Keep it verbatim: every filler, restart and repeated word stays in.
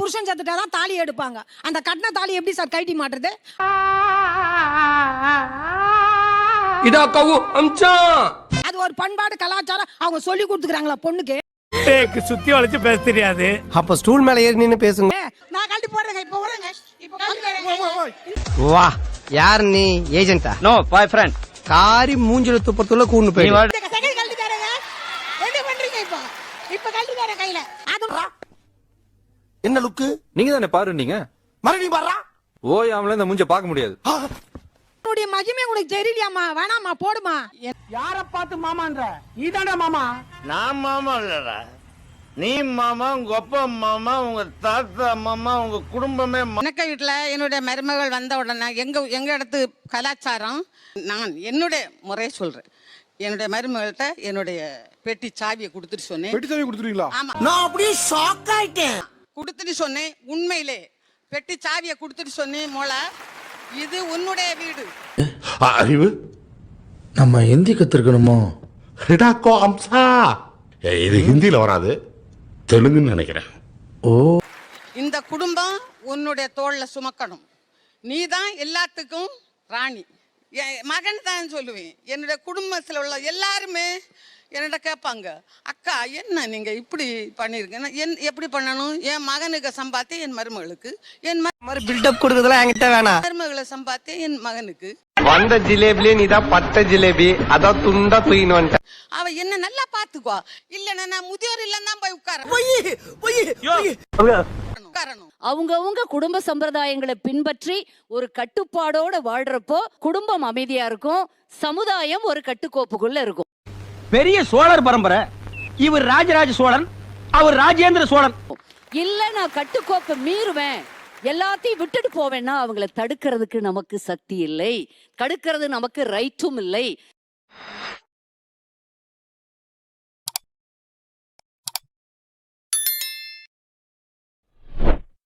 புருஷன் செத்துட்டாதான் தாலி எடுப்பாங்க. அந்த கட்டின தாலி எப்படி சார் கைட்டி மாட்டுறது? இதா கவு அம்ச்சான். அது ஒரு பண்பாடு கலாச்சாரம் அவங்க சொல்லி கொடுத்துக்கறாங்களா பொண்ணுக்கு? சுத்தி வளைச்சு பேச தெரியாது. அப்ப ஸ்டூல் மேல ஏறி நின்னு பேசுங்க. நான் கழட்டி போடுறேங்க. இப்ப வரேங்க. இப்ப கழட்டி வா, யார் நீ? ஏஜென்ட்டா? No boy friend. காரி மூஞ்சில துப்பறதுல கூண்டு போய். செகண்ட் கழட்டி தரேங்க. என்ன பண்றீங்க இப்ப? இப்ப கழட்டி தரேன் கையில. அது என்ன லுக்கு? நீங்க தானே பாருன்னீங்க. மறுபடியும் பாடுறா. ஓயாமல இந்த மூஞ்ச பார்க்க முடியாது. உன்னுடைய மகிமை உனக்கு தெரியலையாமா? வேணாமா, போடுமா. யார பார்த்து மாமான்ற? நீதான்டா மாமா. நான் மாமா இல்லடா, நீ மாமா, உங்க அப்பா மாமா, உங்க தாத்தா மாமா, உங்க குடும்பமே. எனக்கு வீட்டில் என்னுடைய மருமகள் வந்த உடனே எங்க எங்க இடத்து கலாச்சாரம், நான் என்னுடைய முறையை சொல்றேன். என்னுடைய மருமகள்கிட்ட என்னுடைய பெட்டி சாவியை கொடுத்துட்டு சொன்னேன். பெட்டி சாவி கொடுத்துருவீங்களா? ஆமா, நான் அப்படியே ஷாக் ஆயிட்டேன். கொடுத்துட்டு சொன்னேன். உண்மையிலே பெட்டி சாவியை கொடுத்துட்டு சொன்னேன். மோளா, இது உன்னுடைய வீடு. அறிவு நம்ம ஹிந்தி கத்துக்கணுமோ? ஹிடாக்கோ அம்சா. இது ஹிந்தியில வராது, தெலுங்குன்னு நினைக்கிறேன். ஓ, இந்த குடும்பம் உன்னுடைய தோள்ல சுமக்கணும். நீ தான் எல்லாத்துக்கும் ராணி. என் மகன் தான் சொல்லுவேன். என்னுடைய குடும்பத்தில் உள்ள எல்லாருமே என்னோட கேட்பாங்க, அக்கா என்ன நீங்க இப்படி பண்ணிருக்கீங்க, என் எப்படி பண்ணணும்? என் மகனுக்கு சம்பாத்தியம் என் மருமகளுக்கு, என் மாதிரி பில்டப் கொடுக்கறதெல்லாம் என்கிட்ட வேணாம். மருமகளை சம்பாத்தியம் என் மகனுக்கு. வந்த ஜிலேபிலே நீதான் பட்ட ஜிலேபி, அதான் துண்டா தூயின்னு வந்துட்ட. அவ என்ன நல்லா பாத்துக்குவா. இல்லன்னா நான் முதியோர் இல்லம் தான் போய் உட்காரணும். உட்காரணும். அவங்கவுங்க குடும்ப சம்பிரதாயங்களை பின்பற்றி ஒரு கட்டுப்பாடோட வாழ்றப்போ குடும்பம் அமைதியா இருக்கும், சமுதாயம் ஒரு கட்டுக்கோப்புக்குள்ள இருக்கும். பெரிய சோழர் பரம்பரை. இவர் ராஜராஜ சோழன், அவர் ராஜேந்திர சோழன். இல்ல நான் கட்டுக்கோப்பை மீறுவேன், எல்லாத்தையும் விட்டுட்டு போவேன்னா அவங்கள தடுக்கிறதுக்கு நமக்கு சக்தி இல்லை, தடுக்கிறது நமக்கு ரைட்டும் இல்லை.